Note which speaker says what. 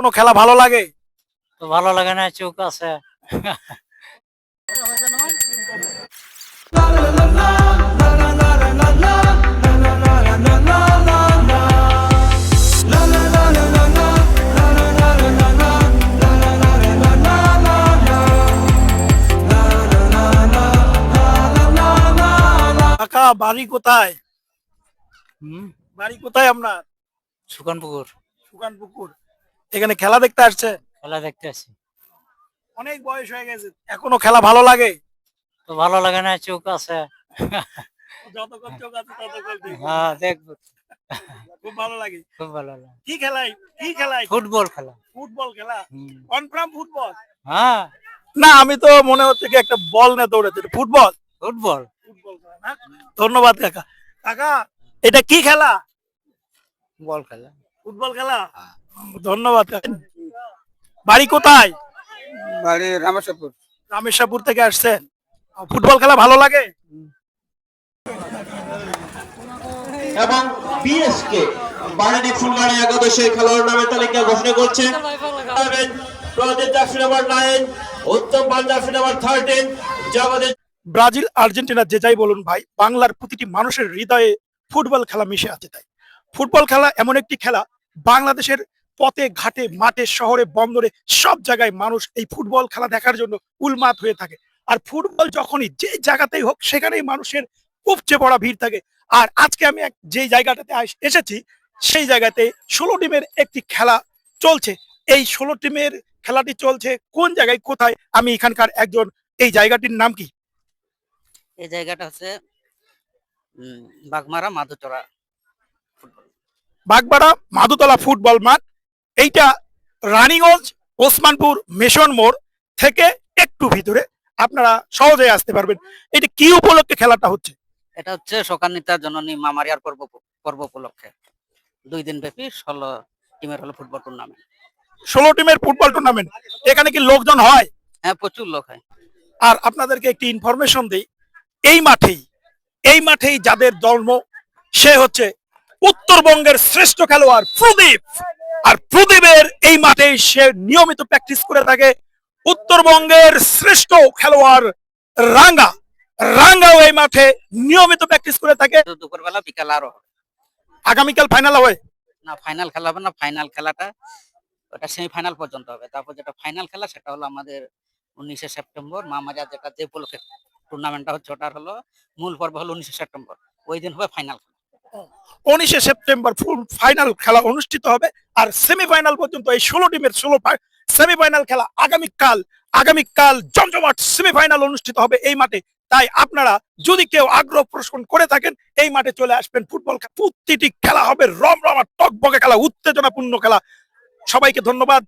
Speaker 1: এখনো খেলা ভালো লাগে?
Speaker 2: তো ভালো লাগে না, চোখ আছে।
Speaker 1: কাকা বাড়ি কোথায়?
Speaker 2: হুম,
Speaker 1: বাড়ি কোথায় আপনার?
Speaker 2: সুকান পুকুর।
Speaker 1: সুকান পুকুর। এখানে খেলা দেখতে আসছে?
Speaker 2: খেলা দেখতে আসি।
Speaker 1: অনেক বয়স হয়ে গেছে, এখনো খেলা ভালো লাগে?
Speaker 2: তো ভালো লাগে না, চোখ আছে।
Speaker 1: যতক্ষণ চোখ আছে ততক্ষণ দেখবো।
Speaker 2: হ্যাঁ, দেখবো।
Speaker 1: খুব ভালো লাগে।
Speaker 2: খুব ভালো লাগে।
Speaker 1: কি খেলাই?
Speaker 2: ফুটবল খেলা।
Speaker 1: ফুটবল খেলা?
Speaker 2: হুম।
Speaker 1: Confirm football?
Speaker 2: হ্যাঁ,
Speaker 1: না, আমি তো মনে হচ্ছে কি একটা বল নিয়ে দৌড়াচ্ছে। এটা ফুটবল?
Speaker 2: ফুটবল।
Speaker 1: ফুটবল খেলা না? ধন্যবাদ কাকা। কাকা, এটা কি খেলা?
Speaker 2: বল খেলা।
Speaker 1: ফুটবল খেলা? ধন্যবাদ কাকা। বাড়ি কোথায়?
Speaker 3: বাড়ি রামেশ্বরপুর।
Speaker 1: রামেশ্বরপুর থেকে আসছেন। ফুটবল খেলা ভালো লাগে?
Speaker 4: এবং বিএসকে বাড়ি ফুলবাড়ি একাদশের খেলোয়াড় নামের তালিকা ঘোষণা করছে। প্রদীপ জাফরি নাম্বার 9, উত্তম পাল জাফরি নাম্বার 13, জগদীশ।
Speaker 1: ব্রাজিল আর্জেন্টিনা যে যাই বলুন ভাই, বাংলার প্রতিটি মানুষের হৃদয়ে ফুটবল খেলা মিশে আছে। তাই ফুটবল খেলা এমন একটি খেলা, বাংলাদেশের পথে ঘাটে মাঠে শহরে বন্দরে সব জায়গায় মানুষ এই ফুটবল খেলা দেখার জন্য উন্মাদ হয়ে থাকে। আর ফুটবল যখনই যে জায়গাতেই হোক সেখানেই মানুষের উপচে পড়া ভিড় থাকে। আর আজকে আমি যে জায়গাটাতে এসেছি সেই জায়গাতে 16 টিমের একটি খেলা চলছে। এই 16 টিমের খেলাটি চলছে কোন জায়গায় কোথায়, আমি এখানকার একজন। এই জায়গাটির নাম কি?
Speaker 5: এই জায়গাটা হচ্ছে বাগমারা মাধুচরা ফুটবল।
Speaker 1: বাগবাড়া মাধুতলা ফুটবল মাঠ। এইটা রানীগঞ্জ ওসমানপুর মিশন মোড় থেকে একটু ভিতরে, আপনারা সহজে আসতে পারবেন। এটা কি উপলক্ষে খেলাটা হচ্ছে?
Speaker 5: এটা হচ্ছে শোকান্বিতা জননী মামারিয়ার পর্ব উপলক্ষে 2 দিন ব্যাপী 16 টিমের হলো ফুটবল টুর্নামেন্ট।
Speaker 1: 16 টিমের ফুটবল টুর্নামেন্ট। এখানে কি লোকজন হয়?
Speaker 5: হ্যাঁ, প্রচুর লোক হয়।
Speaker 1: আর আপনাদেরকে একটি ইনফরমেশন দিই, এই মাঠেই যাদের জন্ম সে হচ্ছে উত্তরবঙ্গের শ্রেষ্ঠ খেলোয়াড় প্রদীপ। আর প্রদীপের এই মাঠেই সে নিয়মিত প্র্যাকটিস করে থাকে। উত্তরবঙ্গের শ্রেষ্ঠ খেলোয়াড় রাঙ্গাও এই মাঠে নিয়মিত প্র্যাকটিস করে থাকে।
Speaker 5: তো দুপুরবেলা বিকাল আরো হবে।
Speaker 1: আগামীকাল ফাইনাল হয়?
Speaker 5: না, ফাইনাল খেলা হবে না। ফাইনাল খেলাটা ওটা সেমিফাইনাল পর্যন্ত হবে। তারপর যেটা ফাইনাল খেলা সেটা হলো আমাদের 19শে সেপ্টেম্বর মামারিয়া, যেটা যে উপলক্ষে টুর্নামেন্টটা হচ্ছে ওটার হলো মূল পর্ব হলো 19শে সেপ্টেম্বর। ওই দিন হবে ফাইনাল খেলা।
Speaker 1: 19শে সেপ্টেম্বর ফাইনাল খেলা অনুষ্ঠিত হবে। আর সেমিফাইনাল পর্যন্ত এই 16 টিমের 16 সেমিফাইনাল খেলা আগামীকাল জমজমাট সেমিফাইনাল অনুষ্ঠিত হবে এই মাঠে। তাই আপনারা যদি কেউ আগ্রহ প্রদর্শন করে থাকেন এই মাঠে চলে আসবেন। ফুটবল প্রতিটি খেলা হবে রমরমা টকবকে খেলা, উত্তেজনাপূর্ণ খেলা। সবাইকে ধন্যবাদ।